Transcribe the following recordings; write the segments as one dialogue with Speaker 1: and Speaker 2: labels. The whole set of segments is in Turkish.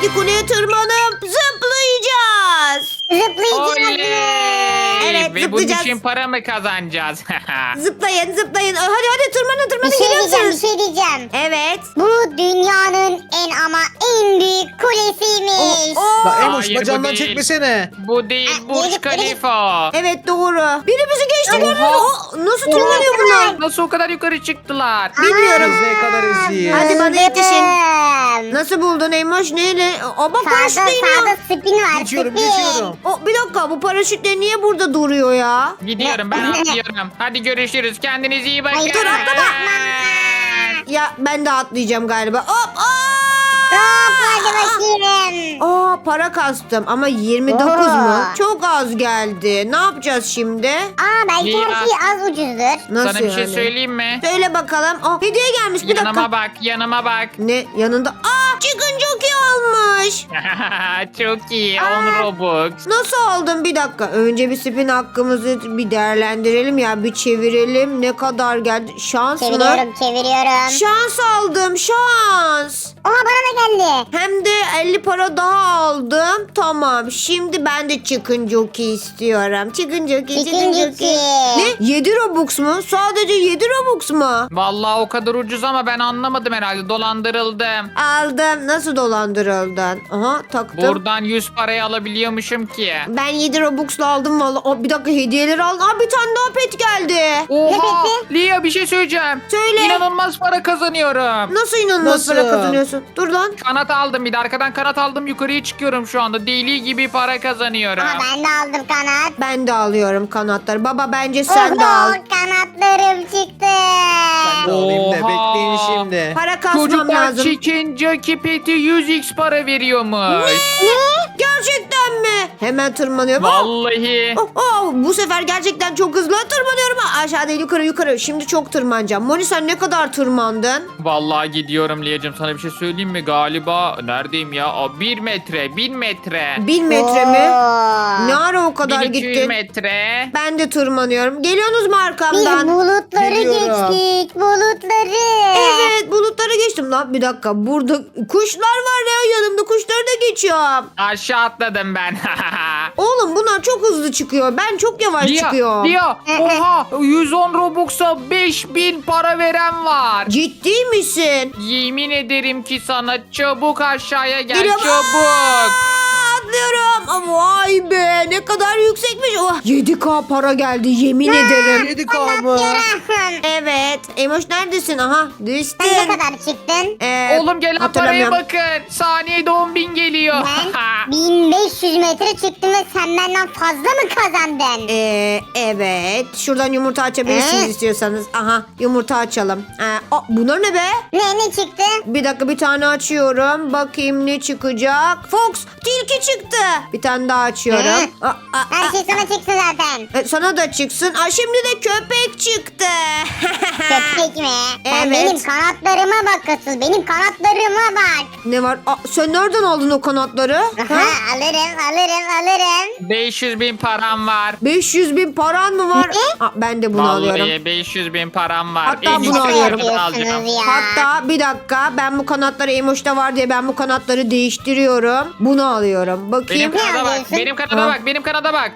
Speaker 1: yukarıdaki kuleye tırmanıp zıplayacağız.
Speaker 2: Zıplayacağız.
Speaker 1: Evet,
Speaker 2: Ve bunun
Speaker 1: zıplayacağız.
Speaker 2: için para mı kazanacağız?
Speaker 1: Zıplayın zıplayın. Hadi tırmanın
Speaker 3: Bir şey diyeceğim, bir
Speaker 1: geliyorsunuz.
Speaker 3: şey diyeceğim.
Speaker 1: Evet.
Speaker 3: Bu dünyanın en büyük kulesiymiş.
Speaker 1: Oo.
Speaker 4: Emoş
Speaker 2: Hayır, bu
Speaker 4: bacağından
Speaker 2: değil.
Speaker 4: çekmesene.
Speaker 2: Bu değil Burj
Speaker 3: Yürü,
Speaker 2: Khalifa.
Speaker 1: Evet doğru. Biri bizi geçti
Speaker 2: Oha.
Speaker 1: gördünüz mü? Nasıl tırmanıyor bunlar?
Speaker 2: Nasıl o kadar yukarı çıktılar?
Speaker 1: Bilmiyorum.
Speaker 4: Biz ne kadar eziyiz.
Speaker 1: Hadi bana yetişin.
Speaker 3: Zıpladım.
Speaker 1: Nasıl buldun Eymoş? Neyle? Bak
Speaker 3: Sağda
Speaker 1: paraşütle iniyor.
Speaker 3: spin var.
Speaker 4: Geçiyorum
Speaker 3: spin.
Speaker 4: geçiyorum.
Speaker 1: Bir dakika bu paraşütle niye burada duruyor ya?
Speaker 2: Gidiyorum ben atlıyorum. Hadi görüşürüz. Kendinize iyi bakın.
Speaker 3: Hayır,
Speaker 1: dur, atlama. Ya ben de atlayacağım galiba. Hop!
Speaker 3: Hop hadi bakayım.
Speaker 1: Para kastım ama 29 mu? Çok az geldi. Ne yapacağız şimdi?
Speaker 3: Belki
Speaker 2: Ya.
Speaker 3: her şey az ucuzdur.
Speaker 1: Nasıl
Speaker 2: Sana bir şey
Speaker 1: yani?
Speaker 2: söyleyeyim mi?
Speaker 1: Söyle bakalım. Hediye gelmiş bir
Speaker 2: Yanıma
Speaker 1: dakika.
Speaker 2: bak, yanıma bak.
Speaker 1: Ne? Yanında. Chicken jockey almış.
Speaker 2: Çok iyi. 10 Robux.
Speaker 1: Nasıl aldın? Bir dakika. Önce bir spin hakkımızı bir değerlendirelim ya. Bir çevirelim. Ne kadar geldi? Şans mı?
Speaker 3: Çeviriyorum.
Speaker 1: Şans aldım. Şans.
Speaker 3: Oha bana da geldi.
Speaker 1: Hem de 50 para daha aldım. Tamam. Şimdi ben de chicken jockey istiyorum. Chicken jockey.
Speaker 3: Chicken jockey.
Speaker 1: Ne? 7 Robux mu? Sadece 7 Robux mu?
Speaker 2: Vallahi o kadar ucuz ama ben anlamadım herhalde. Dolandırıldım.
Speaker 1: Aldım. Nasıl dolandırıldın? Aha taktım.
Speaker 2: Buradan 100 parayı alabiliyormuşum ki.
Speaker 1: Ben 7 Robux'la aldım valla. Bir dakika hediyeleri aldım. Bir tane daha pet geldi.
Speaker 2: Oha!
Speaker 3: peki?
Speaker 2: Lia bir şey söyleyeceğim.
Speaker 1: Söyle.
Speaker 2: İnanılmaz para kazanıyorum.
Speaker 1: Nasıl inanılmaz
Speaker 4: Nasıl?
Speaker 1: para kazanıyorsun? Dur lan.
Speaker 2: Kanat aldım bir de arkadan kanat aldım yukarıya çıkıyorum şu anda. Deli gibi para kazanıyorum.
Speaker 3: Aha ben de aldım kanat.
Speaker 1: Ben de alıyorum kanatları. Baba bence sen de al.
Speaker 3: Kanatlarım çıktı.
Speaker 4: Ben de alayım da
Speaker 2: Oha.
Speaker 4: bekleyin şimdi.
Speaker 1: Para kasmam
Speaker 2: Çocuklar
Speaker 1: lazım.
Speaker 2: Chicken Jockey Pet'i 100x para veriyormuş.
Speaker 1: Gerçekten mi? Hemen tırmanıyorum.
Speaker 2: Vallahi.
Speaker 1: Bu sefer gerçekten çok hızlı tırmanıyorum. Aşağı değil yukarı. Şimdi çok tırmanacağım. Moni sen ne kadar tırmandın?
Speaker 2: Vallahi gidiyorum Liyacığım, sana bir şey söyleyeyim mi? Galiba neredeyim ya? 1 metre, 1000 metre.
Speaker 1: 1000 metre mi?
Speaker 3: Oo.
Speaker 1: Ne ara o kadar
Speaker 2: 1200
Speaker 1: gittin?
Speaker 2: metre.
Speaker 1: Ben de tırmanıyorum. Geliyorsunuz mu
Speaker 3: Biz
Speaker 1: arkamdan?
Speaker 3: bulutları
Speaker 4: Geliyorum.
Speaker 3: geçtik. Bulutları.
Speaker 1: Evet bulutları geçtim lan. Bir dakika burada kuşlar var ya yanımda kuşları da geçiyorum.
Speaker 2: Aşağı atladım ben.
Speaker 1: Oğlum bunlar çok hızlı çıkıyor. Ben çok yavaş çıkıyorum.
Speaker 2: Lia, oha 110 Robux'a 5000 para veren var.
Speaker 1: Ciddi misin?
Speaker 2: Yemin ederim ki sana çabuk aşağıya gel
Speaker 1: Geliyorum.
Speaker 2: çabuk.
Speaker 1: Atlıyorum. Vay be ne kadar yüksekmiş. 7K para geldi yemin ederim.
Speaker 4: 7K mı?
Speaker 1: Evet. Emoş neredesin? Aha düştün.
Speaker 3: Sen ne kadar çıktın?
Speaker 2: Oğlum gelen paraya
Speaker 1: hatırlamıyorum.
Speaker 2: bakın. Saniyede 10.000 geliyor.
Speaker 3: Ben 1500 metre çıktım ve sen benden fazla mı kazandın?
Speaker 1: Evet. Şuradan yumurta açabilirsiniz istiyorsanız. Aha yumurta açalım. Bunlar ne be?
Speaker 3: Ne çıktı?
Speaker 1: Bir dakika bir tane açıyorum. Bakayım ne çıkacak. Fox tilki çıktı. Bir tane daha açıyorum.
Speaker 3: Her şey sana çıktı zaten.
Speaker 1: Sana da çıksın. Şimdi de köpek çıktı.
Speaker 3: Köpek mi? Sen
Speaker 1: Evet.
Speaker 3: benim kanatlarıma bak asıl. Benim kanatlarıma bak.
Speaker 1: Ne var? Sen nereden aldın o kanatları? Ha?
Speaker 3: Aha, alırım.
Speaker 2: 500.000 param var.
Speaker 1: 500.000 paran mı var? Ben de bunu alıyorum.
Speaker 2: Vallahi 500.000 param var.
Speaker 1: Hatta
Speaker 2: En
Speaker 1: bunu
Speaker 2: iyisi
Speaker 1: alıyorum.
Speaker 2: kanatları alacağım.
Speaker 3: Yapıyorsunuz ya.
Speaker 1: Hatta bir dakika ben bu kanatları Emoş'ta var diye ben bu kanatları değiştiriyorum. Bunu alıyorum. Bakayım.
Speaker 2: Benim kanada bak.
Speaker 3: alıyorsun?
Speaker 2: Benim kanada bak. Benim kanada bak.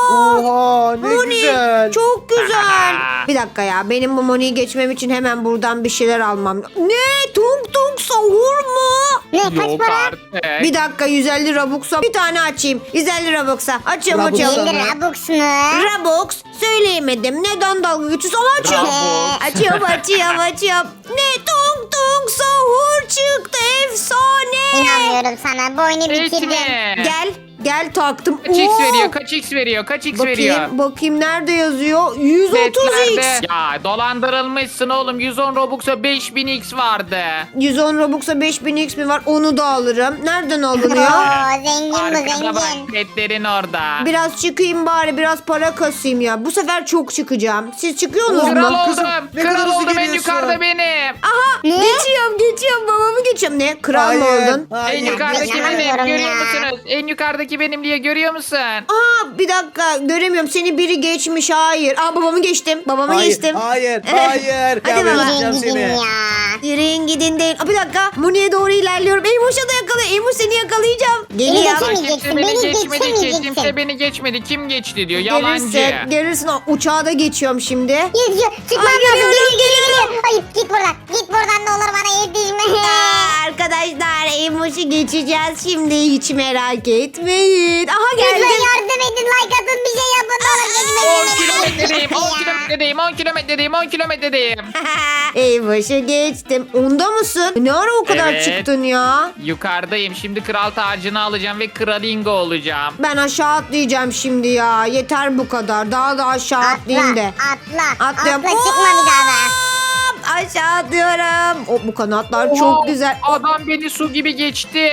Speaker 4: Oha ne
Speaker 1: Moni,
Speaker 4: güzel.
Speaker 1: çok güzel. Bir dakika ya benim bu Moni'yi geçmem için hemen buradan bir şeyler almam. Ne? Tung tung sahur mu?
Speaker 3: Ne kaç
Speaker 2: Yok
Speaker 3: para?
Speaker 2: artık.
Speaker 1: Bir dakika 150 Robux'a bir tane açayım. 150 Robux'a. Açıyorum
Speaker 4: Robux
Speaker 1: açıyorum.
Speaker 3: 50
Speaker 4: sana.
Speaker 3: Robux mu?
Speaker 1: Robux söyleyemedim. Neden dalga geçiyorsun? Ama açıyorum.
Speaker 2: Robux.
Speaker 1: Açıyorum. Ne? Tung tung sahur çıktı. Efsane.
Speaker 3: İnanmıyorum sana. Bu oyunu
Speaker 2: Hiç
Speaker 3: bitirdin.
Speaker 2: mi?
Speaker 1: Gel taktım.
Speaker 2: Kaç x
Speaker 1: Oo.
Speaker 2: veriyor? Kaç x veriyor? Kaç x veriyor?
Speaker 1: Bakayım nerede yazıyor? 130x.
Speaker 2: Setlerde. Ya dolandırılmışsın oğlum. 110 Robux'a 5000 x vardı.
Speaker 1: 110 Robux'a 5000x mi var? Onu da alırım. Nereden alınıyor?
Speaker 3: Oo, zengin bu
Speaker 2: Arkada bak
Speaker 3: zengin.
Speaker 2: petlerin orada.
Speaker 1: Biraz çıkayım bari. Biraz para kasayım ya. Bu sefer çok çıkacağım. Siz çıkıyorsunuz mu?
Speaker 2: Kral
Speaker 4: Kızım,
Speaker 2: oldum.
Speaker 4: ne kadar
Speaker 2: Kral
Speaker 4: hızlı
Speaker 2: oldum en
Speaker 4: geliyorsun.
Speaker 2: yukarıda benim.
Speaker 1: Aha
Speaker 3: Ne?
Speaker 1: geçiyorum. Babamı geçiyorum. Ne? Kral mı
Speaker 4: Hayır,
Speaker 1: oldun?
Speaker 2: En
Speaker 4: hayır.
Speaker 2: yukarıdaki
Speaker 3: inanamıyorum
Speaker 2: benim. Görüyor
Speaker 3: ya.
Speaker 2: musunuz? En yukarıdaki benim diye görüyor musun?
Speaker 1: Bir dakika göremiyorum. Seni biri geçmiş. Hayır. Babamı geçtim. Babamı geçtim.
Speaker 4: Hayır.
Speaker 1: Hadi
Speaker 4: Gel
Speaker 1: baba.
Speaker 4: vereceğim
Speaker 3: Yürüyün gidin
Speaker 4: seni.
Speaker 3: ya.
Speaker 1: Yürüyün gidin değil. Bir dakika. Muni'ye doğru ilerliyorum. Emoş'a da yakala. Eymuş seni yakalayacağım. Geliyor.
Speaker 3: geçemeyeceksin,
Speaker 2: Kimse
Speaker 3: beni
Speaker 2: geçmedi ki.
Speaker 3: geçemeyeceksin.
Speaker 2: Kimse beni geçmedi. Kim geçti diyor. Yalancı.
Speaker 1: Görürsün. Görürsün. Aa, uçağa da geçiyorum şimdi.
Speaker 3: Gidiyor. Çıkmam
Speaker 1: Ay,
Speaker 3: lazım.
Speaker 1: geliyorum,
Speaker 3: Geliyor. Hayır git buradan. Git buradan ne olur bana yetişme.
Speaker 1: Arkadaşlar Eymuş'u geçeceğiz şimdi. Hiç merak etmeyin. Aha
Speaker 3: Lütfen
Speaker 1: geldim.
Speaker 3: yardım edin. Like atın bir şey yapın. Ne olur
Speaker 2: 10
Speaker 3: geçmeyin.
Speaker 2: kilometredeyim. 10 kilometredeyim. 10 kilometredeyim. 10 kilometredeyim.
Speaker 1: Eymuş'u geçtim. Onda mısın? Ne ara o kadar
Speaker 2: Evet.
Speaker 1: çıktın ya?
Speaker 2: Yukarıdayım. Şimdi kral tacını alacağım ve kralingo olacağım.
Speaker 1: Ben aşağı atlayacağım şimdi ya. Yeter bu kadar. Daha da aşağı atlayayım de.
Speaker 3: Atla.
Speaker 1: Atlıyorum.
Speaker 3: Atla çıkma bir daha da.
Speaker 1: Hop, aşağı atlıyorum. O, bu kanatlar çok
Speaker 2: Oo,
Speaker 1: güzel.
Speaker 2: Adam beni su gibi geçti.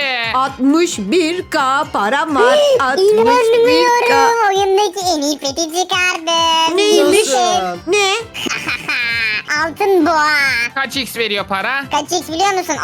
Speaker 1: 61k param var. 61k.
Speaker 3: İnanmıyorum. Oyundaki en iyi peti çıkardım.
Speaker 1: Neymiş?
Speaker 4: Nasıl?
Speaker 1: Ne?
Speaker 3: Altın boğa.
Speaker 2: Kaç x veriyor para?
Speaker 3: Kaç x biliyor musun?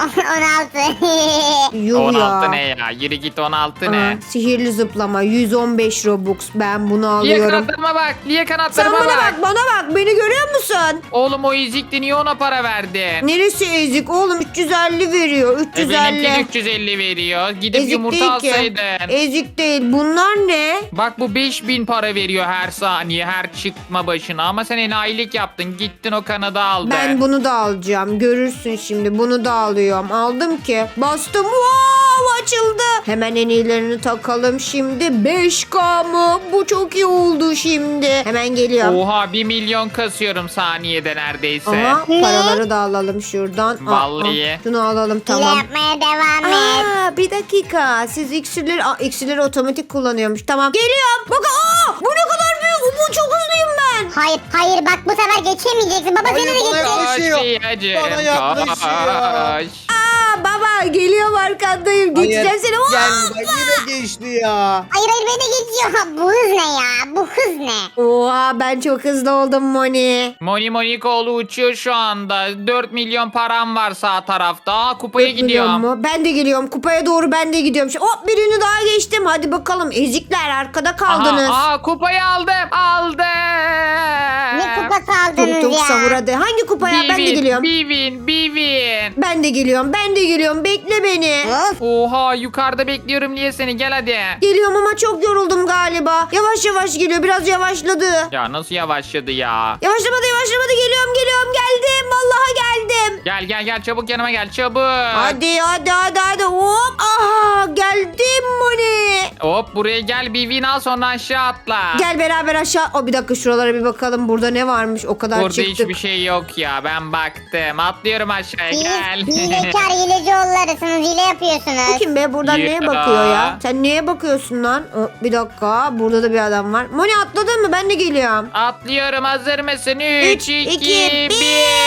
Speaker 3: 16.
Speaker 1: Yuh
Speaker 2: 16
Speaker 1: ya.
Speaker 2: ne ya? Yürü git 16
Speaker 1: Aa,
Speaker 2: ne?
Speaker 1: sihirli zıplama 115 Robux. Ben bunu
Speaker 2: Liye
Speaker 1: alıyorum.
Speaker 2: kanatlarıma bak. Liye
Speaker 1: Sen
Speaker 2: kanatlarıma
Speaker 1: bana
Speaker 2: bak.
Speaker 1: bak, bana bak. Beni görüyor musun?
Speaker 2: Oğlum o ezikti, niye ona para verdin?
Speaker 1: Neresi ezik? Oğlum 350 veriyor.
Speaker 2: Benimki
Speaker 1: 350.
Speaker 2: 350 veriyor. Gidip
Speaker 1: Ezik
Speaker 2: yumurta
Speaker 1: değil ki.
Speaker 2: alsaydın.
Speaker 1: Ezik değil. Bunlar ne?
Speaker 2: Bak bu 5000 para veriyor her saniye, her çıkma başına. Ama sen enayilik yaptın. Gittin o kanadı aldın.
Speaker 1: Ben bunu da alacağım. Görürsün şimdi. Bunu da alıyorum. Aldım ki. Bastım. Wow, açıldı. Hemen en iyilerini takalım şimdi. 5K mı? Bu çok iyi oldu şimdi. Hemen geliyorum.
Speaker 2: Oha 1 milyon kasıyorum saniyede neredeyse.
Speaker 1: Aha, paraları da alalım şuradan.
Speaker 2: Vallahi.
Speaker 1: Şunu alalım
Speaker 3: Hile
Speaker 1: tamam.
Speaker 3: yapmaya devam et.
Speaker 1: Aa, bir dakika. Siz iksirleri otomatik kullanıyormuş. Tamam. Geliyorum. Bakın. Aa, bu ne kadar büyük. Bu çok hızlıyım ben.
Speaker 3: Hayır bak bu sefer geçemeyeceksin. Baba
Speaker 4: Hayır,
Speaker 3: seni de
Speaker 4: bana
Speaker 3: geçecek.
Speaker 4: yaklaşıyor.
Speaker 2: Liyacığım,
Speaker 4: Bana yaklaşıyor.
Speaker 2: koş.
Speaker 1: Aa, baba geliyorum arkandayım. Geçeceğim
Speaker 4: Hayır,
Speaker 1: seni.
Speaker 4: Gel
Speaker 1: Hoppa.
Speaker 4: yine geçti ya.
Speaker 3: Hayır beni geçiyor. Bu hız ne ya? Bu hız ne?
Speaker 1: Oha, ben çok hızlı oldum Moni.
Speaker 2: Moni Monikoğlu uçuyor şu anda. 4 milyon param var sağ tarafta. Aa, kupaya
Speaker 1: Biliyor
Speaker 2: gidiyorum.
Speaker 1: musun? Ben de geliyorum. Kupaya doğru ben de gidiyorum. Hop, birini daha geçtim. Hadi bakalım. Ezikler arkada kaldınız.
Speaker 2: Aha, kupayı aldım. Aldım.
Speaker 3: Ne kupası aldınız
Speaker 1: Tuk tuk
Speaker 3: ya?
Speaker 1: sahur hadi. Hangi kupaya? Ben de geliyorum.
Speaker 2: Bivin.
Speaker 1: Ben de geliyorum. Ben de geliyorum. Bekle beni.
Speaker 3: Of.
Speaker 2: Oha yukarıda bekliyorum niye seni, gel hadi.
Speaker 1: Geliyorum ama çok yoruldum galiba. Yavaş yavaş geliyor. Biraz yavaşladı.
Speaker 2: Ya nasıl yavaşladı ya.
Speaker 1: Yavaşlamadı. Geliyorum. Geldim. Vallahi geldim.
Speaker 2: Gel çabuk yanıma gel çabuk.
Speaker 1: Hadi. Hop. Aha, geldim Moni.
Speaker 2: Hop buraya gel, Bivin al sonra aşağı atla.
Speaker 1: Gel beraber aşağı. O bir dakika, şuralara bir bakalım. Burada ne varmış? O kadar
Speaker 2: Burada
Speaker 1: çıktık.
Speaker 2: hiçbir şey yok ya, ben baktım. Atlıyorum aşağıya, gel.
Speaker 3: Siz hilekar hileci oğullarısınız. Hile
Speaker 1: Bu
Speaker 3: yapıyorsunuz.
Speaker 1: kim be? Buradan
Speaker 2: Ya.
Speaker 1: neye bakıyor ya? Sen neye bakıyorsun lan? Bir dakika. Burada da bir adam var. Moni atladın mı? Ben de geliyorum.
Speaker 2: Atlıyorum, hazır mısın? 3, 2,
Speaker 1: 2,
Speaker 2: 1.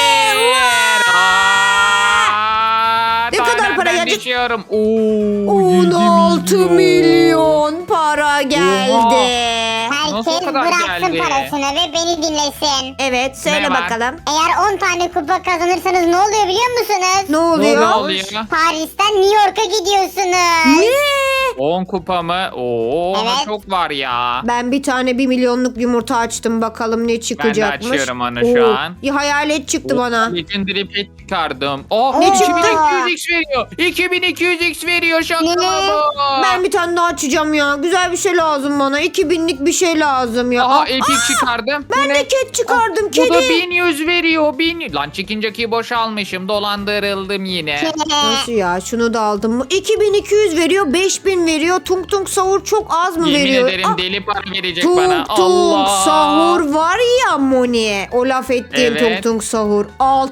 Speaker 1: Ne kadar para gelecek?
Speaker 2: Geçiyorum.
Speaker 1: 16 milyon para geldi.
Speaker 2: Nasıl
Speaker 3: Herkes
Speaker 2: o kadar
Speaker 3: bıraksın
Speaker 2: geldi?
Speaker 3: parasını ve beni dinlesin.
Speaker 1: Evet, söyle
Speaker 2: Ne var?
Speaker 1: bakalım.
Speaker 3: Eğer 10 tane kupa kazanırsanız ne oluyor biliyor musunuz?
Speaker 1: Ne oluyor?
Speaker 2: Ne oluyor?
Speaker 3: Paris'ten New York'a gidiyorsunuz.
Speaker 1: Ne?
Speaker 2: 10 kupa mı? Oo, ama
Speaker 3: Evet.
Speaker 2: çok var ya.
Speaker 1: Ben bir tane 1 milyonluk yumurta açtım. Bakalım ne çıkacakmış.
Speaker 2: açıyorum onu şu an.
Speaker 1: Bir hayalet çıktı bana.
Speaker 2: Legendary pet çıkardım. Oh,
Speaker 1: Ne
Speaker 3: Ne
Speaker 1: çıktı?
Speaker 2: 2200x veriyor. 2200x veriyor, şaka
Speaker 3: Ne?
Speaker 2: bu.
Speaker 1: Ben bir tane daha açacağım ya. Güzel bir şey lazım bana. 2000'lik bir şey lazım ya.
Speaker 2: Aha,
Speaker 1: Aa,
Speaker 2: epic çıkardım.
Speaker 1: ben
Speaker 2: Bu
Speaker 1: de
Speaker 2: ne?
Speaker 1: ket çıkardım.
Speaker 2: Bu da
Speaker 1: Kedi.
Speaker 2: 1100 veriyor. 1000. Lan çekinceki boşalmışım. Dolandırıldım yine.
Speaker 1: Nasıl ya? Şunu da aldım mı? 2200 veriyor, 5000 veriyor. Tung tung sahur çok az mı
Speaker 2: Yemin
Speaker 1: veriyor?
Speaker 2: ederim
Speaker 1: Ah,
Speaker 2: deli para verecek
Speaker 1: tung
Speaker 2: bana.
Speaker 1: tung
Speaker 2: Allah.
Speaker 1: sahur var ya Moni. O laf ettiğim
Speaker 2: Evet.
Speaker 1: tung tung sahur.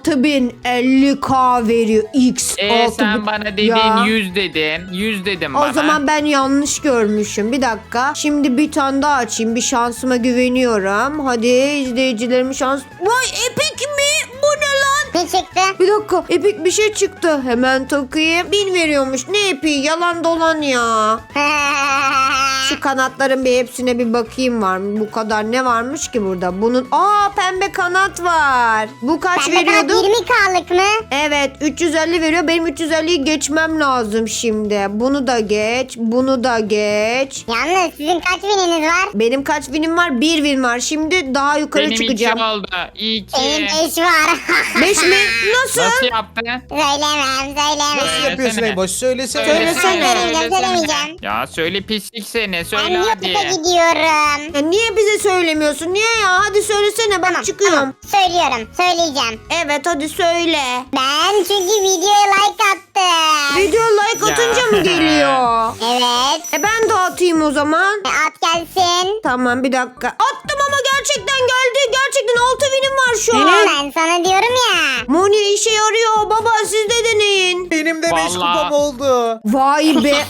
Speaker 1: 6050k veriyor. X.
Speaker 2: Sen
Speaker 1: 6000.
Speaker 2: bana dedin
Speaker 1: Ya.
Speaker 2: 100 dedin. 100 dedim
Speaker 1: O
Speaker 2: bana.
Speaker 1: zaman ben yanlış görmüşüm. Bir dakika. Şimdi bir tane daha açayım. Bir şansıma güveniyorum. Hadi izleyicilerimin şans. Vay, epic mi? Bu ne lan?
Speaker 3: Ne çıktı?
Speaker 1: Bir dakika. Epic bir şey çıktı. Hemen takayım. 1000 veriyormuş. Ne epic? Yalan dolan ya. Şu kanatların bir hepsine bir bakayım var mı? Bu kadar ne varmış ki burada? Bunun pembe kanat var. Bu kaç
Speaker 3: Pembe kanat
Speaker 1: veriyordu?
Speaker 3: 20K'lık mı?
Speaker 1: Evet 350 veriyor. Benim 350'yi geçmem lazım şimdi. Bunu da geç. Bunu da geç.
Speaker 3: Yalnız sizin kaç wininiz var?
Speaker 1: Benim kaç winim var? 1 win var. Şimdi daha yukarı
Speaker 2: Benim
Speaker 1: çıkacağım.
Speaker 2: 2 oldu. 2.
Speaker 3: Benim 5 var.
Speaker 1: 5 mi? Nasıl?
Speaker 2: Nasıl yaptın?
Speaker 3: Söylemem.
Speaker 4: Nasıl yapıyorsun
Speaker 2: Söylesene.
Speaker 4: Eymoş? Söylesene.
Speaker 3: Söylemeyeceğim.
Speaker 2: Ya söyle pislik seni.
Speaker 3: Ben
Speaker 2: Söyle hadi.
Speaker 3: YouTube'a gidiyorum.
Speaker 1: Ya niye bize söylemiyorsun? Niye ya? Hadi söylesene bak çıkıyorum.
Speaker 3: Tamam. Söylüyorum. Söyleyeceğim.
Speaker 1: Evet hadi söyle.
Speaker 3: Ben çünkü videoya like attım.
Speaker 1: Video like
Speaker 2: Ya.
Speaker 1: atınca mı geliyor?
Speaker 3: Evet.
Speaker 1: Ben de atayım o zaman.
Speaker 3: At gelsin.
Speaker 1: Tamam bir dakika. Attım ama gerçekten geldi. Gerçekten 6 winim var şu an.
Speaker 3: Ben sana diyorum ya.
Speaker 1: Moni işe yarıyor. Baba siz de deneyin.
Speaker 4: Benim de 5
Speaker 2: Vallahi.
Speaker 4: kupam oldu.
Speaker 1: Vay be.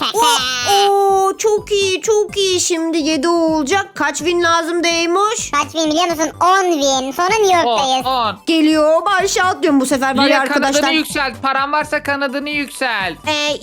Speaker 1: Çok iyi çok iyi. Şimdi 7 olacak. Kaç win lazım Deymoş?
Speaker 3: Kaç win biliyor musun? 10 win. Sonra New York'tayız.
Speaker 2: 10.
Speaker 1: Geliyor. Ben aşağı atlıyorum bu sefer var ya
Speaker 2: Lia
Speaker 1: arkadaşlar.
Speaker 2: kanadını yükselt. Paran varsa kanadını yükselt.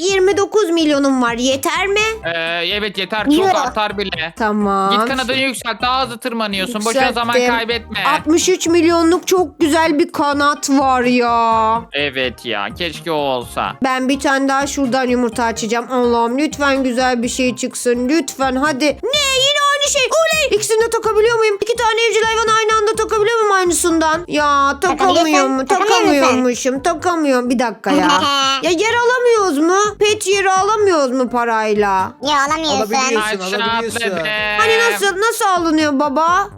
Speaker 1: 29 milyonum var. Yeter mi?
Speaker 2: Evet yeter. Çok
Speaker 3: Euro.
Speaker 2: artar bile.
Speaker 1: Tamam.
Speaker 2: Git kanadını yükselt. Daha hızlı tırmanıyorsun. Boşuna zaman
Speaker 1: Yükselttim.
Speaker 2: kaybetme.
Speaker 1: 63 milyonluk çok güzel bir kanat var ya.
Speaker 2: Evet ya. Keşke o olsa.
Speaker 1: Ben bir tane daha şuradan yumurta açacağım. Allah'ım lütfen güzel bir şey çıksın. Lütfen hadi. Ne yine aynı şey. Oley. İkisini de takabiliyor muyum? 2 tane evcil hayvanı aynı anda takabiliyor muyum aynısından? Ya takamıyor mu? Takamıyormuşum. Takamıyorum. Bir dakika ya. Ya yer alamıyoruz mu? Pet yeri alamıyoruz mu parayla?
Speaker 3: Yo alamıyorsun.
Speaker 4: Alabiliyorsun.
Speaker 2: Aşağı
Speaker 4: alabiliyorsun.
Speaker 2: atladım.
Speaker 1: Hani nasıl alınıyor baba?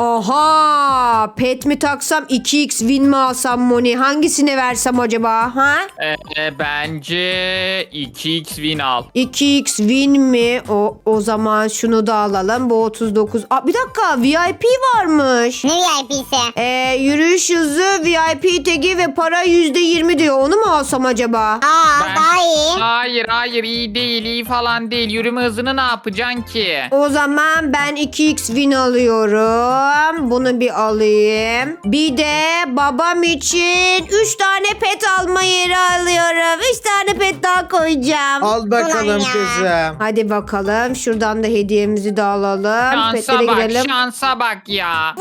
Speaker 1: Aha, pet mi taksam 2x win mi alsam Moni? Hangisini versem acaba? Ha?
Speaker 2: Bence 2x win al.
Speaker 1: 2x win mi? O zaman şunu da alalım. Bu 39. Bir dakika VIP varmış.
Speaker 3: Ne VIP'si?
Speaker 1: Yürüyüş hızı, VIP tagi ve para %20 diyor. Onu mu alsam acaba?
Speaker 2: Ben-
Speaker 3: Daha iyi.
Speaker 2: Hayır iyi değil iyi falan değil. Yürüme hızını ne yapacaksın ki?
Speaker 1: O zaman ben 2x win alıyorum. Bunu bir alayım. Bir de babam için 3 tane pet alma yeri alıyorum. 3 tane pet daha koyacağım.
Speaker 4: Al bakalım
Speaker 3: Ulan ya.
Speaker 4: kızım.
Speaker 1: Hadi bakalım. Şuradan da hediyemizi de alalım.
Speaker 2: Şansa
Speaker 1: Petlere
Speaker 2: bak
Speaker 1: girelim.
Speaker 2: şansa bak ya.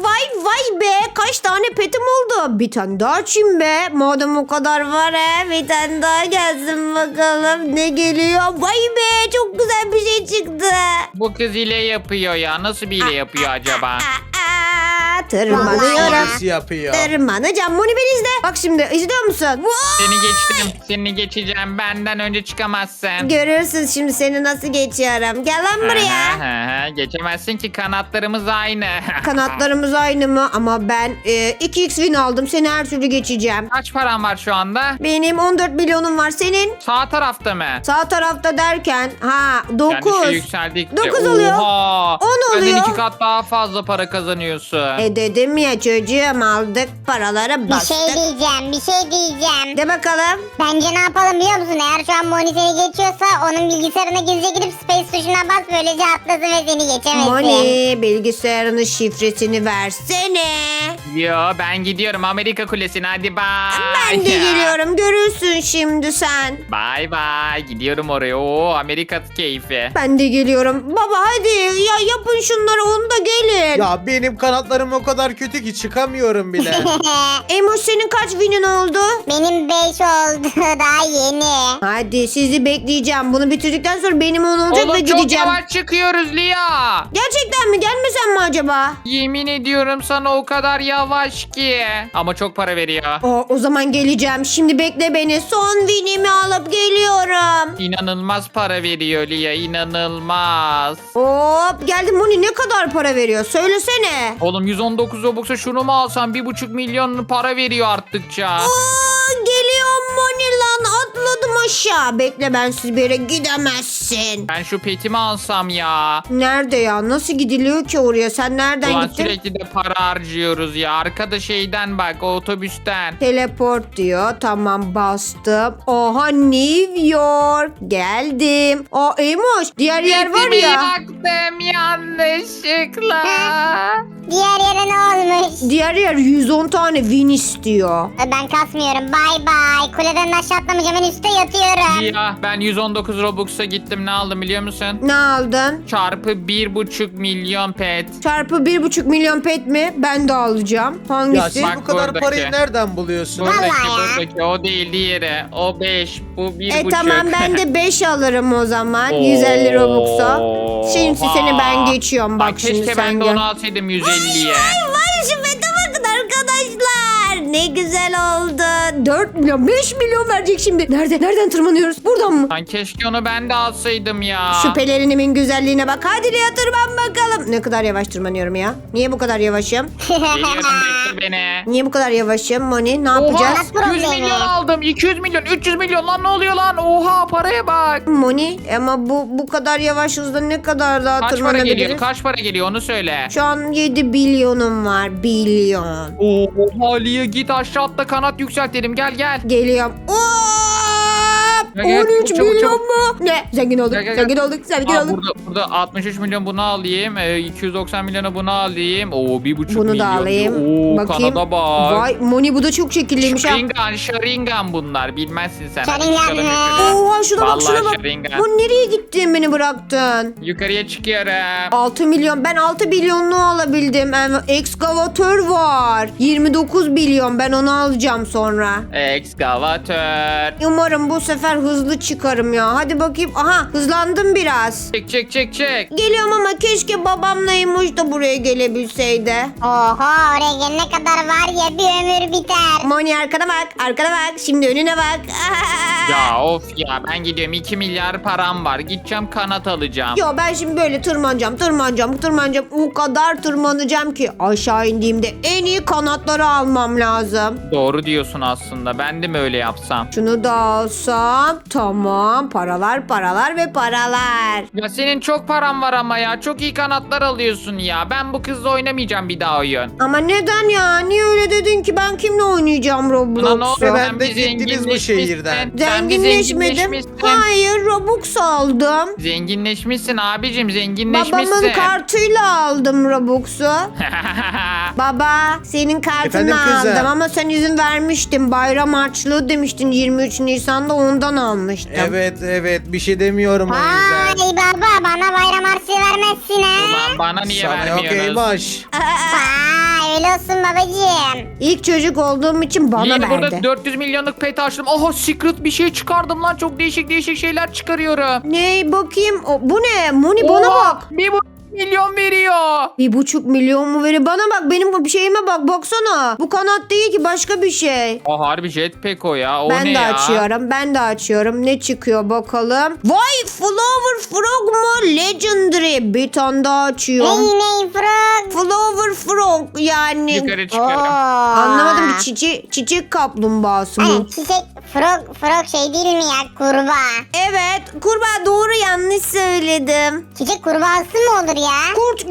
Speaker 1: Vay be. Kaç tane petim oldu? Bir tane daha açayım be. Madem o kadar var bir tane daha gelsin bakalım. Ne geliyor? Vay be. Çok güzel bir şey çıktı.
Speaker 2: Bu kız hile yapıyor ya. Nasıl bir hile yapıyor acaba?
Speaker 1: Tırmanıyorum.
Speaker 4: Nasıl yapıyor?
Speaker 1: Tırmanacağım. Moni beni izle. Bak şimdi izliyor musun?
Speaker 2: Seni geçtim. Seni geçeceğim. Benden önce çıkamazsın.
Speaker 1: Görürsün şimdi seni nasıl geçiyorum. Gel lan buraya.
Speaker 2: Aha, geçemezsin ki kanatlarımız aynı.
Speaker 1: Kanatlarımız aynı mı? Ama ben 2x win aldım. Seni her türlü geçeceğim.
Speaker 2: Kaç paran var şu anda?
Speaker 1: Benim 14 milyonum var. Senin?
Speaker 2: Sağ tarafta mı?
Speaker 1: Sağ tarafta derken
Speaker 2: Yani
Speaker 1: 9.
Speaker 2: şey yükseldikçe.
Speaker 1: 9 oluyor.
Speaker 2: Oha.
Speaker 1: 10
Speaker 2: Benden
Speaker 1: oluyor.
Speaker 2: 2 kat daha fazla para kazanıyorsun.
Speaker 1: Dedim ya çocuğum aldık paraları
Speaker 3: Bir
Speaker 1: bastık.
Speaker 3: şey diyeceğim.
Speaker 1: De bakalım.
Speaker 3: Bence ne yapalım biliyor musun? Eğer şu an Moni seni geçiyorsa onun bilgisayarına gizlice gidip space tuşuna bas. Böylece atlasın ve seni geçemesin.
Speaker 1: Moni bilgisayarının şifresini versene.
Speaker 2: Yo ben gidiyorum Amerika Kulesi'ne hadi bye.
Speaker 1: Ben de geliyorum görürsün şimdi sen.
Speaker 2: Bye bye. Gidiyorum oraya. Oo Amerika keyfi.
Speaker 1: Ben de geliyorum. Baba hadi ya yapın şunları onu da gelin.
Speaker 4: Ya benim kanatlarım o kadar kötü ki çıkamıyorum bile.
Speaker 1: Emoş senin kaç winin oldu?
Speaker 3: Benim 5 oldu. Daha yeni.
Speaker 1: Hadi sizi bekleyeceğim. Bunu bitirdikten sonra benim 10 olacak
Speaker 2: Oğlum
Speaker 1: ve
Speaker 2: çok
Speaker 1: gideceğim.
Speaker 2: yavaş çıkıyoruz Lia.
Speaker 1: Gerçekten mi? Gelmesem mi acaba?
Speaker 2: Yemin ediyorum sana o kadar yavaş ki. Ama çok para veriyor.
Speaker 1: O zaman geleceğim. Şimdi bekle beni. Son winimi alıp geliyorum.
Speaker 2: İnanılmaz para veriyor Lia inanılmaz.
Speaker 1: Hop geldim. Moni ne kadar para veriyor? Söylesene.
Speaker 2: Oğlum 119 Robux'a şunu mu alsam 1,5 milyon para veriyor arttıkça.
Speaker 1: Geliyorum Moni lan. Atladım aşağı. Bekle ben siz bir yere gidemezsin.
Speaker 2: Ben şu petimi alsam ya.
Speaker 1: Nerede ya? Nasıl gidiliyor ki oraya? Sen nereden
Speaker 2: Ulan
Speaker 1: gittin?
Speaker 2: sürekli de para harcıyoruz ya. Arkada şeyden bak o otobüsten.
Speaker 1: Teleport diyor. Tamam bastım. Oha New York. Geldim. Emoş diğer yer var
Speaker 2: Petimi
Speaker 1: ya.
Speaker 2: yaktım yanlışlıkla.
Speaker 3: Diğer yere ne olmuş?
Speaker 1: Diğer yer 110 tane win istiyor.
Speaker 3: Ben kasmıyorum. Bay bay. Kuleden aşağı atlamayacağım. En üstte yatıyorum.
Speaker 2: Ya ben 119 Robux'a gittim, ne aldım biliyor musun?
Speaker 1: Ne aldın?
Speaker 2: Çarpı 1,5 milyon pet.
Speaker 1: Çarpı 1,5 milyon pet mi? Ben de alacağım.
Speaker 4: Ya
Speaker 1: Hangisi?
Speaker 4: siz
Speaker 2: Bak
Speaker 4: bu kadar
Speaker 2: buradaki.
Speaker 4: parayı nereden buluyorsunuz?
Speaker 2: Buradaki
Speaker 3: Vallahi ya.
Speaker 2: buradaki o değil, diğeri. O 5, bu 1,5.
Speaker 1: Tamam ben de 5 alırım o zaman. 150 Robux'a. Şimdi seni ben geçiyorum. Bak şimdi
Speaker 2: keşke
Speaker 1: sen
Speaker 2: ben de
Speaker 1: gör.
Speaker 2: onu alsaydım 150'ye.
Speaker 1: Vay şu fete bakın arkadaşlar. Ne güzel oldu. 4 milyon 5 milyon verecek şimdi. Nereden tırmanıyoruz? Buradan mı?
Speaker 2: Lan keşke onu ben de alsaydım ya.
Speaker 1: Şu pelerinimin güzelliğine bak. Hadi Lia tırman bakalım. Ne kadar yavaş tırmanıyorum ya. Niye bu kadar yavaşım?
Speaker 2: Geliyorum, bekle beni.
Speaker 1: Niye bu kadar yavaşım Moni? Ne yapacağız?
Speaker 2: Oha 100 milyon aldım, 200 milyon, 300 milyon, lan ne oluyor lan? Oha paraya bak.
Speaker 1: Moni ama bu kadar yavaş hızda ne kadar daha
Speaker 2: Kaç para
Speaker 1: tırmanabiliriz?
Speaker 2: geliyor? Kaç para geliyor onu söyle.
Speaker 1: Şu an 7 bilyonum var. Bilyon.
Speaker 2: Oha Lia, git aşağı atla, kanat yükseltelim, gel.
Speaker 1: Geliyorum.
Speaker 2: Gel, gel,
Speaker 1: 13
Speaker 2: çabuk,
Speaker 1: milyon
Speaker 2: çabuk.
Speaker 1: mu? Ne? Zengin olduk.
Speaker 2: Gel, gel,
Speaker 1: Zengin
Speaker 2: gel.
Speaker 1: olduk. Zengin
Speaker 2: Aa,
Speaker 1: olduk.
Speaker 2: burada 63 milyon bunu alayım. 290 milyonu bunu alayım. Oo 1,5
Speaker 1: Bunu
Speaker 2: milyon.
Speaker 1: da alayım.
Speaker 2: Oo
Speaker 1: Bakayım.
Speaker 2: Kanada bak.
Speaker 1: Vay Moni bu da çok şekilliymiş ha.
Speaker 2: Sharingan bunlar. Bilmezsin sen. Hadi
Speaker 3: Sharingan
Speaker 2: çıkalım
Speaker 3: mı?
Speaker 2: yukarı.
Speaker 1: Oha şuna bak
Speaker 2: Vallahi
Speaker 1: şuna bak.
Speaker 2: Sharingan.
Speaker 1: Bu nereye gittin beni bıraktın?
Speaker 2: Yukarıya çıkıyorum.
Speaker 1: 6 milyon. Ben 6 milyonluğu alabildim. Ekskavatör var. 29 milyon. Ben onu alacağım sonra.
Speaker 2: Ekskavatör.
Speaker 1: Umarım bu sefer hızlı çıkarım ya. Hadi bakayım. Aha hızlandım biraz.
Speaker 2: Çek.
Speaker 1: Geliyorum ama keşke babamlaymış da buraya gelebilseydi.
Speaker 3: Oha oraya gelene kadar var ya bir ömür biter.
Speaker 1: Moni arkana bak. Şimdi önüne bak.
Speaker 2: Ya of ya, ben gidiyorum, 2 milyar param var. Gideceğim kanat alacağım.
Speaker 1: Yo ben şimdi böyle tırmanacağım. O kadar tırmanacağım ki aşağı indiğimde en iyi kanatları almam lazım.
Speaker 2: Doğru diyorsun aslında. Ben de mi öyle yapsam?
Speaker 1: Şunu da alsam tamam. Paralar ve paralar.
Speaker 2: Ya senin çok paran var ama ya. Çok iyi kanatlar alıyorsun ya. Ben bu kızla oynamayacağım bir daha oyun.
Speaker 1: Ama neden ya? Niye öyle dedin ki? Ben kimle oynayacağım
Speaker 2: Ulan ne
Speaker 1: Roblox'u?
Speaker 2: oluyor?
Speaker 4: Ben
Speaker 2: Sen
Speaker 4: de
Speaker 2: bir
Speaker 4: gittiniz bu şehirden.
Speaker 2: zenginleşmişsin. Sen bir
Speaker 1: Zenginleşmedim.
Speaker 2: zenginleşmişsin.
Speaker 1: Hayır Robux aldım.
Speaker 2: Zenginleşmişsin abicim, zenginleşmişsin.
Speaker 1: Babamın kartıyla aldım Robux'u. Baba senin kartını
Speaker 4: Efendim kızım?
Speaker 1: aldım ama sen izin vermiştin. Bayram harçlığı demiştin 23 Nisan'da ondan almıştım.
Speaker 4: Evet bir şey demiyorum o yüzden.
Speaker 3: Vay baba bana bayram harçlığı vermezsin ha.
Speaker 2: Ulan bana niye
Speaker 4: Sana yok
Speaker 2: vermiyorsunuz?
Speaker 4: Eybaş.
Speaker 3: Vay öyle olsun babacığım.
Speaker 1: İlk çocuk olduğum için bana
Speaker 2: Yine
Speaker 1: verdi.
Speaker 2: burada 400 milyonluk pet açtım. Oha secret bir şey çıkardım lan. Çok değişik şeyler çıkarıyorum.
Speaker 1: Ne bakayım bu ne? Moni bana
Speaker 2: Oha,
Speaker 1: bak.
Speaker 2: 1,5 milyon veriyor.
Speaker 1: 1,5 milyon mu veriyor? Bana bak benim şeyime bak baksana. Bu kanat değil ki başka bir şey.
Speaker 2: O harbi jetpack o ya. O
Speaker 1: Ben
Speaker 2: ne
Speaker 1: de
Speaker 2: ya?
Speaker 1: ben de açıyorum. Ne çıkıyor bakalım. Vay Flower Frog mu? Legendary. Bir tane daha açıyorum.
Speaker 3: Ney frog.
Speaker 1: Flower Frog yani.
Speaker 2: Yukarı çıkıyorum.
Speaker 1: Anlamadım ki çiçek kaplumbağası mı?
Speaker 3: Hani çiçek frog şey değil mi ya kurbağa.
Speaker 1: Evet kurbağa doğru yanlış söyledim.
Speaker 3: Çiçek kurbağası mı olur ya?
Speaker 1: Kurt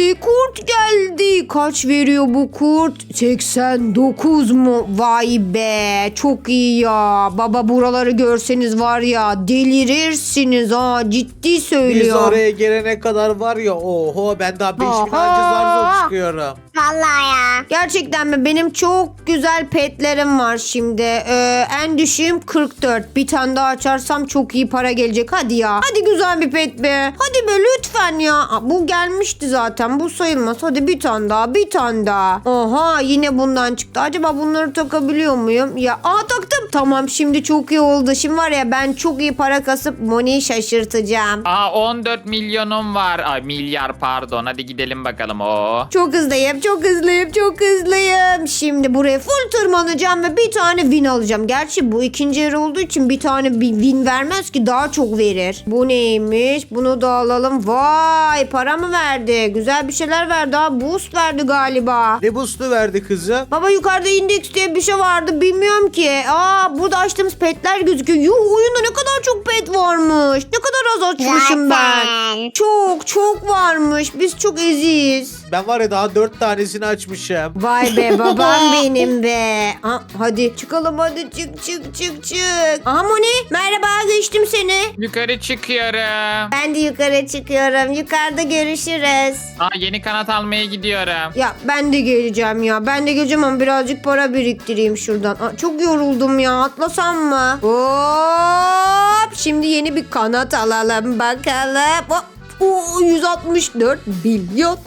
Speaker 1: geldi. Kaç veriyor bu kurt? 89 mu? Vay be çok iyi ya. Baba buraları görseniz var ya delirirsiniz ha ciddi
Speaker 4: Biz
Speaker 1: söylüyorum.
Speaker 4: oraya gelene kadar var ya oho ben daha 5000 anca zar zor çıkıyorum.
Speaker 3: Vallahi ya.
Speaker 1: Gerçekten mi? Benim çok güzel petlerim var şimdi. En düşüğüm 44. Bir tane daha açarsam çok iyi para gelecek. Hadi ya. Hadi güzel bir pet be. Hadi be lütfen ya. Bu gelmişti zaten. Bu sayılmaz. Hadi bir tane daha. Oha yine bundan çıktı. Acaba bunları takabiliyor muyum? Ya taktım. Tamam şimdi çok iyi oldu. Şimdi var ya ben çok iyi para kasıp Moni'yi şaşırtacağım.
Speaker 2: Aa 14 milyonum var. Ay milyar pardon. Hadi gidelim bakalım o.
Speaker 1: Çok hızlıyım. Şimdi buraya full tırmanacağım ve bir tane win alacağım. Gerçi bu ikinci yer olduğu için bir tane bir win vermez ki daha çok verir. Bu neymiş? Bunu da alalım. Vay para mı verdi? Güzel bir şeyler verdi ha. Boost verdi galiba.
Speaker 4: Ne boost'u verdi kızım?
Speaker 1: Baba yukarıda indeks diye bir şey vardı. Bilmiyorum ki. Burada açtığımız petler gözüküyor. Oyunda ne kadar çok pet varmış. Ne kadar az açmışım ben.
Speaker 3: Zaten.
Speaker 1: Çok varmış. Biz çok eziyiz.
Speaker 4: Ben var ya daha 4 tanesini açmışım.
Speaker 1: Vay be babam benim be. Hadi çıkalım hadi çık. Aha Moni merhaba geçtim seni.
Speaker 2: Yukarı çıkıyorum. çıkıyorum.
Speaker 1: Ben de yukarı çıkıyorum. Yukarıda görüşürüz.
Speaker 2: Yeni kanat almaya gidiyorum.
Speaker 1: Ya ben de geleceğim ya. Ben de geleceğim ama birazcık para biriktireyim şuradan. Çok yoruldum ya. Atlasam mı? Hop. Şimdi yeni bir kanat alalım bakalım. Hop. 164 milyon.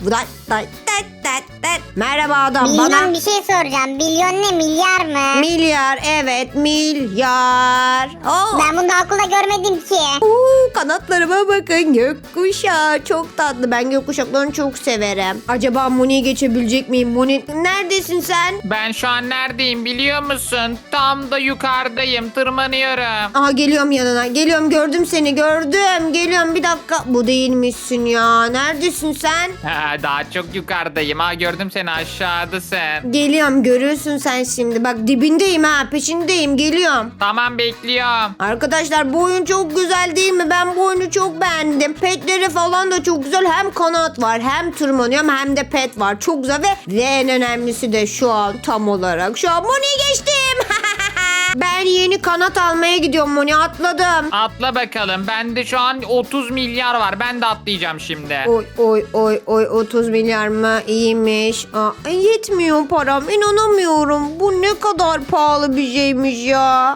Speaker 1: Merhaba adam,
Speaker 3: Milyon
Speaker 1: bana
Speaker 3: bir şey soracağım. Milyon ne, milyar mı?
Speaker 1: milyar, evet milyar.
Speaker 3: Ben bunu daha okulda görmedim ki.
Speaker 1: Kanatlarıma bakın, gökkuşağı çok tatlı. Ben gökkuşaklarını çok severim. Acaba Moni'yi geçebilecek miyim? Moni neredesin sen?
Speaker 2: Ben şu an neredeyim biliyor musun? Tam da yukarıdayım. Tırmanıyorum.
Speaker 1: Aha geliyorum yanına. Geliyorum, gördüm seni, gördüm. Geliyorum, bir dakika. Bu değilmişsin ya. Neredesin sen?
Speaker 2: Daha çok yukarıdayım. Gördüm seni, aşağıdasın.
Speaker 1: Geliyorum, görürsün sen şimdi. Bak dibindeyim ha, peşindeyim, geliyorum.
Speaker 2: Tamam, bekliyorum.
Speaker 1: Arkadaşlar bu oyun çok güzel değil mi? Ben bu oyunu çok beğendim. Petleri falan da çok güzel. Hem kanat var, hem tırmanıyorum, hem de pet var. Çok güzel ve en önemlisi de şu an tam olarak. Şu an Moni'yi geçtim. Ben yeni kanat almaya gidiyorum Moni, atladım.
Speaker 2: Atla bakalım. Bende şu an 30 milyar var. Ben de atlayacağım şimdi.
Speaker 1: Oy 30 milyar mı? İyiymiş. Yetmiyor param, inanamıyorum. Bu ne kadar pahalı bir şeymiş ya.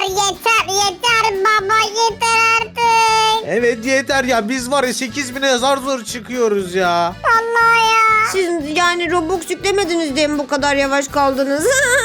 Speaker 3: Yeter baba, yeter artık.
Speaker 4: Evet yeter ya, biz var ya 8.000'e zar zor çıkıyoruz ya.
Speaker 3: Allah ya.
Speaker 1: Siz yani Robux yüklemediniz diye mi bu kadar yavaş kaldınız?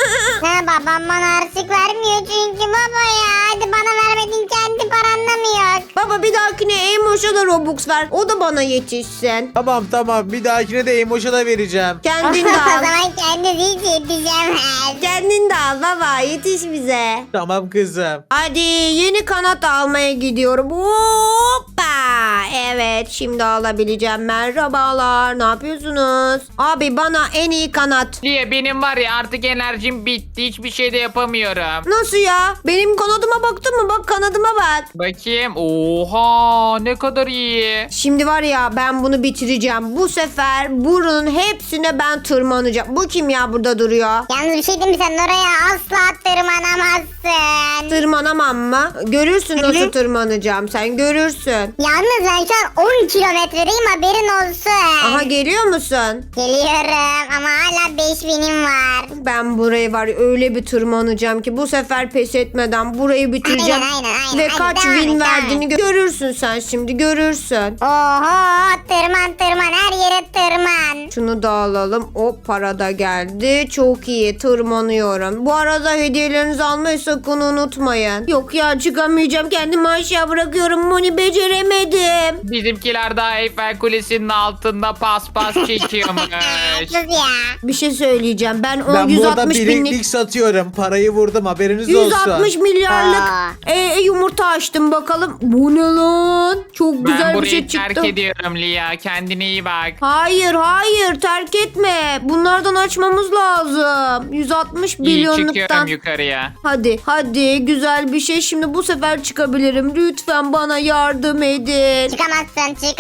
Speaker 3: Babam bana harçlık vermiyor çünkü baba ya. Hadi bana vermedin, kendi paranla mı yok?
Speaker 1: Baba bir dahakine Emoş'a da Robux ver. O da bana yetişsin.
Speaker 4: Tamam, bir dahakine de Emoş'a da vereceğim.
Speaker 1: Kendin de
Speaker 3: O
Speaker 1: al.
Speaker 3: zaman kendi değil yeteceğim.
Speaker 1: Kendin de al baba, yetiş bize.
Speaker 4: Tamam kızım.
Speaker 1: Hadi yeni kanat almaya gidiyorum. Hoppa. Evet, şimdi alabileceğim. Merhabalar, ne yapıyorsunuz? Abi bana en iyi kanat.
Speaker 2: Liye, benim var ya artık enerjim bitti. Hiçbir şey de yapamıyorum.
Speaker 1: Nasıl ya? Benim kanadıma baktın mı? Bak kanadıma bak.
Speaker 2: Bakayım. Oha, ne kadar iyi.
Speaker 1: Şimdi var ya, ben bunu bitireceğim. Bu sefer burunun hepsine ben tırmanacağım. Bu kim ya burada duruyor?
Speaker 3: Yalnız bir şey diyeyim mi, sen oraya asla tırmanamazsın.
Speaker 1: Tırmanamam mı? Görürsün nasıl tırmanacağım. Sen görürsün.
Speaker 3: Yalnız ben şu an 10 kilometredeyim, haberin olsun.
Speaker 1: Aha, geliyor musun?
Speaker 3: Geliyorum ama hala 5000'im var.
Speaker 1: Ben burayı var ya öyle bir tırmanacağım ki bu sefer pes etmeden burayı bitireceğim.
Speaker 3: Aynen.
Speaker 1: Ve
Speaker 3: Hadi
Speaker 1: kaç
Speaker 3: devam
Speaker 1: win
Speaker 3: et,
Speaker 1: verdiğini görürsün sen şimdi, görürsün.
Speaker 3: Oho, tırman her yere tırman.
Speaker 1: Şunu da alalım. O para da geldi. Çok iyi, tırmanıyorum. Bu arada hediyelerinizi almayı sakın unutmayın. Yok ya, çıkamayacağım. Kendimi aşağı bırakıyorum. Moni, beceremedim.
Speaker 2: Bizimkiler daha Eyfel Kulesi'nin altında paspas çekiyormuş.
Speaker 3: Sus ya.
Speaker 1: Bir şey söyleyeceğim. Ben o
Speaker 4: Ben bu arada
Speaker 1: 160
Speaker 4: bileklik
Speaker 1: binlik...
Speaker 4: satıyorum. Parayı vurdum, haberiniz olsun.
Speaker 1: 160 milyarlık
Speaker 3: Aa.
Speaker 1: yumurta açtım bakalım. Bu ne lan? Çok
Speaker 2: Ben
Speaker 1: güzel bir
Speaker 2: burayı
Speaker 1: şey
Speaker 2: terk
Speaker 1: çıktı.
Speaker 2: ediyorum Lia. Kendine iyi bak.
Speaker 1: Hayır terk etme. Bunlardan açmamız lazım. 160
Speaker 2: İyi, çıkıyorum
Speaker 1: milyonluktan.
Speaker 2: yukarıya.
Speaker 1: Hadi güzel bir şey. Şimdi bu sefer çıkabilirim. Lütfen bana yardım edin.
Speaker 3: Çıkamazsın.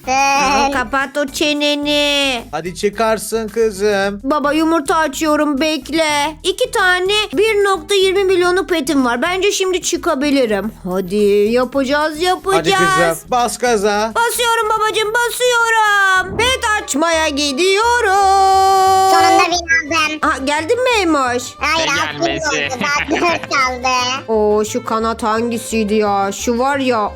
Speaker 1: Kapat o çeneni.
Speaker 4: Hadi çıkarsın kızım.
Speaker 1: Baba yumurta açıyorum, bekle. 2 tane 1.20 milyonu petim var. Bence şimdi çıkabilirim. Hadi yapacağız.
Speaker 4: Hadi kızım, bas gaza.
Speaker 1: Basıyorum babacığım, basıyorum. Pet açmaya gidiyorum.
Speaker 3: Sonunda bin aldım.
Speaker 1: Geldin mi Emoş?
Speaker 3: Hayır,
Speaker 2: Ne
Speaker 3: aklım
Speaker 2: gelmesi?
Speaker 3: oldu. Daha 4 kaldı.
Speaker 1: Oo, şu kanat hangisiydi ya? Şu var ya.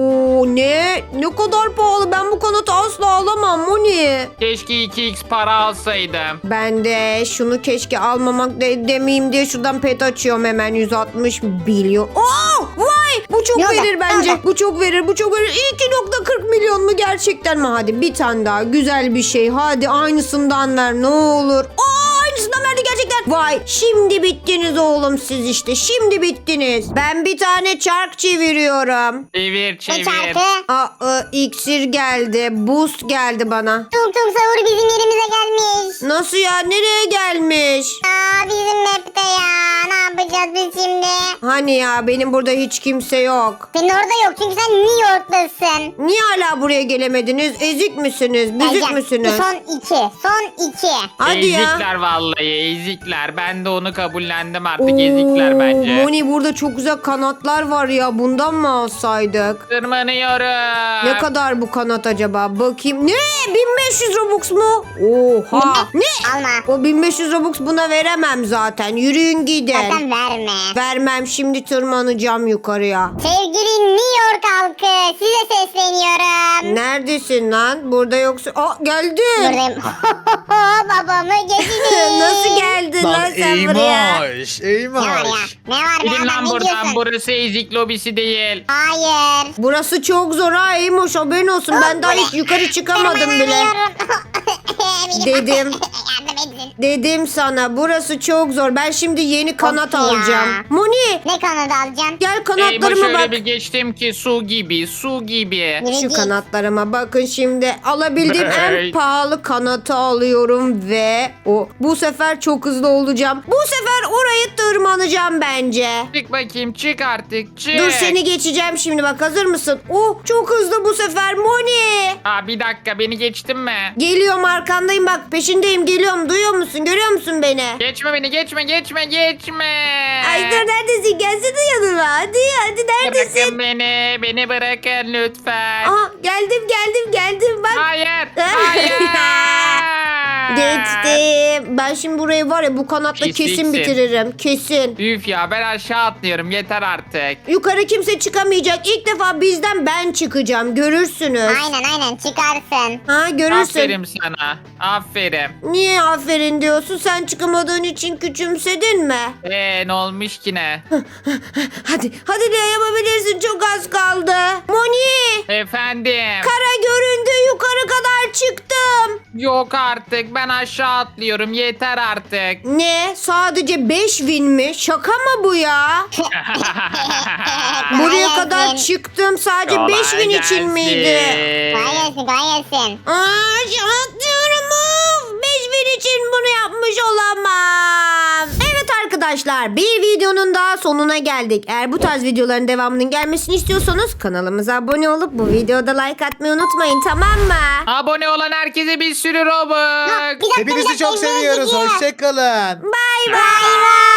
Speaker 1: Ne kadar pahalı. Ben bu kanatı asla alamam Moni.
Speaker 2: Keşke 2x para alsaydım.
Speaker 1: Ben de şunu keşke almamak demeyeyim diye şuradan pet açıyorum hemen. 160 milyon. Vay, bu çok
Speaker 3: Ne oldu?
Speaker 1: verir
Speaker 3: Ne
Speaker 1: bence.
Speaker 3: oldu?
Speaker 1: Bu çok verir. 2.40 milyon mu gerçekten mi? Hadi bir tane daha güzel bir şey. Hadi aynısından ver ne olur. Aynısından verdi gerçekten. Vay, şimdi bittiniz oğlum siz işte. Şimdi bittiniz. Ben bir tane çark çeviriyorum.
Speaker 2: Çevir
Speaker 3: Ne
Speaker 2: çevir.
Speaker 3: çarkı?
Speaker 1: İksir geldi. Boost geldi bana.
Speaker 3: Tung tung sahur bizim yerimize gelmiş.
Speaker 1: Nasıl ya? Nereye gelmiş?
Speaker 3: Bizim map'te ya. Ne yapacağız biz şimdi?
Speaker 1: Hani ya, benim burada hiç kimse yok.
Speaker 3: Senin orada yok çünkü sen New York'tasın.
Speaker 1: Niye hala buraya gelemediniz? Ezik misiniz? Büzük
Speaker 3: Geleceğim.
Speaker 1: müsünüz?
Speaker 3: Son 2.
Speaker 1: Hadi ya.
Speaker 2: Ezikler vallahi. vallahi ezikler. Ben de onu kabullendim artık ezikler bence.
Speaker 1: Moni burada çok güzel kanatlar var ya. Bundan mı alsaydık?
Speaker 2: Tırmanıyorum.
Speaker 1: Ne kadar bu kanat acaba? Bakayım. Ne? 1500 Robux mu? Oha. Ne?
Speaker 3: Alma.
Speaker 1: O 1500 Robux buna veremem zaten. Yürüyün gidin.
Speaker 3: Zaten verme.
Speaker 1: Vermem, şimdi tırmanacağım yukarıya.
Speaker 3: Sevgili New York halkı size sesleniyorum.
Speaker 1: Neredesin lan? Burada yoksa... Aa, geldin.
Speaker 3: Buradayım. Babamı geçti.
Speaker 1: Nasıl geldin lan
Speaker 4: Lan
Speaker 1: sen buraya?
Speaker 4: Eymoş.
Speaker 3: Ne var ya?
Speaker 4: Eymoş.
Speaker 3: Ne var be
Speaker 2: Gidin
Speaker 3: adam
Speaker 2: lan
Speaker 3: ne
Speaker 2: buradan.
Speaker 3: diyorsun?
Speaker 2: Burası ezik lobisi değil.
Speaker 3: Hayır.
Speaker 1: Burası çok zor ha Eymoş, haberin olsun. Ben daha hiç yukarı çıkamadım bile. Dedim.
Speaker 3: Yardım edin.
Speaker 1: Dedim sana, burası çok zor. Ben şimdi yeni kanat
Speaker 3: ya.
Speaker 1: alacağım. Moni,
Speaker 3: Ne kanadı alacaksın?
Speaker 1: gel
Speaker 2: Eyvah
Speaker 1: kanatlarıma
Speaker 2: şöyle
Speaker 1: bak.
Speaker 2: bir geçtim ki su gibi su gibi.
Speaker 3: Yürü
Speaker 1: Şu
Speaker 3: git.
Speaker 1: kanatlarıma bakın şimdi. Alabildiğim en
Speaker 2: Hey.
Speaker 1: pahalı kanatı alıyorum ve bu sefer çok hızlı olacağım. Bu sefer orayı tırmanacağım bence.
Speaker 2: Çık bakayım çık artık çık.
Speaker 1: Dur, seni geçeceğim şimdi, bak hazır mısın? Çok hızlı bu sefer Moni.
Speaker 2: Aa, bir dakika beni geçtin mi?
Speaker 1: Geliyorum, arkandayım bak, peşindeyim, geliyorum, duyuyor musun, görüyor musun beni?
Speaker 2: Geçme beni geçme.
Speaker 1: Ay dur, neredesin, gelsene yanıma, hadi neredesin?
Speaker 2: Bırakın beni bırakın lütfen.
Speaker 1: Aha, geldim bak.
Speaker 2: Hayır hayır.
Speaker 1: Geçtim. Ben şimdi burayı var ya bu kanatla kesin
Speaker 2: Pisliksin.
Speaker 1: bitiririm. Kesin.
Speaker 2: Üf ya ben aşağı atlıyorum yeter artık.
Speaker 1: Yukarı kimse çıkamayacak. İlk defa bizden ben çıkacağım. Görürsünüz.
Speaker 3: Aynen çıkarsın.
Speaker 1: Ha, görürsün.
Speaker 2: Aferin sana. Aferin.
Speaker 1: Niye aferin diyorsun? Sen çıkamadığın için küçümsedin mi?
Speaker 2: Ne olmuş ki ne?
Speaker 1: Hadi ne yapabilirsin? Çok az kaldı. Moni!
Speaker 2: Efendim.
Speaker 1: Kara göründü. Yukarı kadar çıktım.
Speaker 2: Yok artık ben aşağı atlıyorum yeter artık.
Speaker 1: Ne? Sadece 5000 mi? Şaka mı bu ya? Buraya
Speaker 3: Kolay
Speaker 1: kadar
Speaker 3: gelsin.
Speaker 1: çıktım. Sadece
Speaker 2: Kolay
Speaker 1: 5000 için miydi?
Speaker 3: Kolay gelsin.
Speaker 1: Atlıyorum. 5000 için bunu yapmış olamam. Evet arkadaşlar, bir videonun daha sonuna geldik. Eğer bu tarz videoların devamının gelmesini istiyorsanız kanalımıza abone olup bu videoda like atmayı unutmayın, tamam mı?
Speaker 2: Abone olan herkese bir sürü Robux.
Speaker 3: Bir dakika,
Speaker 4: Hepinizi çok
Speaker 3: ekmeğe
Speaker 4: seviyoruz.
Speaker 3: gidiyor.
Speaker 4: Hoşçakalın.
Speaker 1: Bay bay.
Speaker 3: Bay bay.